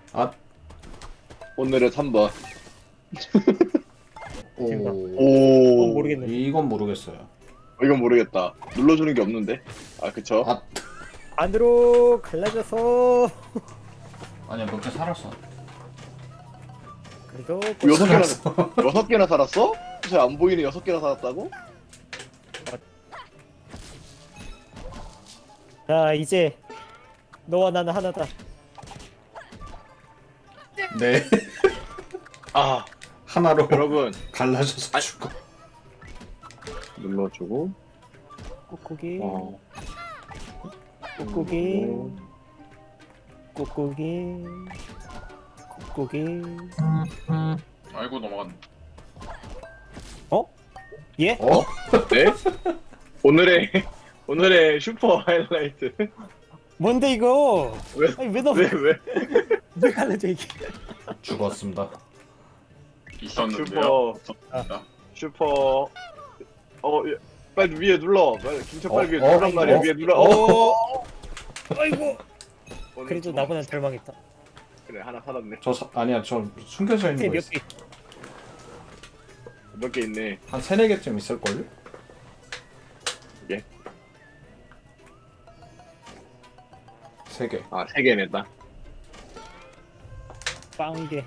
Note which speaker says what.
Speaker 1: 아,
Speaker 2: 오늘은 3번.
Speaker 3: 지금가.
Speaker 2: 오.
Speaker 3: 모르겠네.
Speaker 1: 이건 모르겠어요.
Speaker 2: 이건 모르겠다. 눌러주는 게 없는데. 아 그쵸?
Speaker 1: 아,
Speaker 3: 안으로 갈라져서
Speaker 1: 아니야, 몇 개 살았어.
Speaker 3: 그래도
Speaker 2: 여섯 개나
Speaker 1: 살았어.
Speaker 2: 6개나 살았어? 잘 안 보이는 6개나 살았다고?
Speaker 3: 자 이제 너와 나는 하나다.
Speaker 1: 네.
Speaker 2: 아
Speaker 1: 하나로
Speaker 2: 여러분
Speaker 1: 갈라져서 죽어.
Speaker 2: 눌러주고.
Speaker 3: 꾹꾹이
Speaker 2: 어.
Speaker 3: 꾹꾹이 꾹꾹이 꾹꾹이.
Speaker 4: 아이고 넘어갔네.
Speaker 3: 어? 예?
Speaker 1: 어?
Speaker 2: 네? 오늘의 슈퍼 하이라이트.
Speaker 3: 뭔데 이거?
Speaker 2: 왜?
Speaker 3: 아니 왜 너
Speaker 2: 왜?
Speaker 3: 왜 갈라져 이게?
Speaker 1: 죽었습니다.
Speaker 4: 있었는데요.
Speaker 2: 슈퍼. 예. 빨리 위에 눌러. 빨리 김철 빨리 위에
Speaker 1: 어?
Speaker 2: 눌란 말이야.
Speaker 1: 어?
Speaker 2: 위에 눌러.
Speaker 3: 아이고.
Speaker 2: 오늘
Speaker 3: 그래도
Speaker 2: 좀-
Speaker 3: 나보다 덜 망했다.
Speaker 2: 그래 하나 살았네.
Speaker 1: 아니야, 저 숨겨져 있는 거
Speaker 3: 몇
Speaker 1: 있어.
Speaker 3: 개?
Speaker 2: 몇 개 있네.
Speaker 1: 한 3-4개쯤 있을걸요?
Speaker 2: 예.
Speaker 1: 3개.
Speaker 2: 아 3개네 딱.
Speaker 3: 빵개.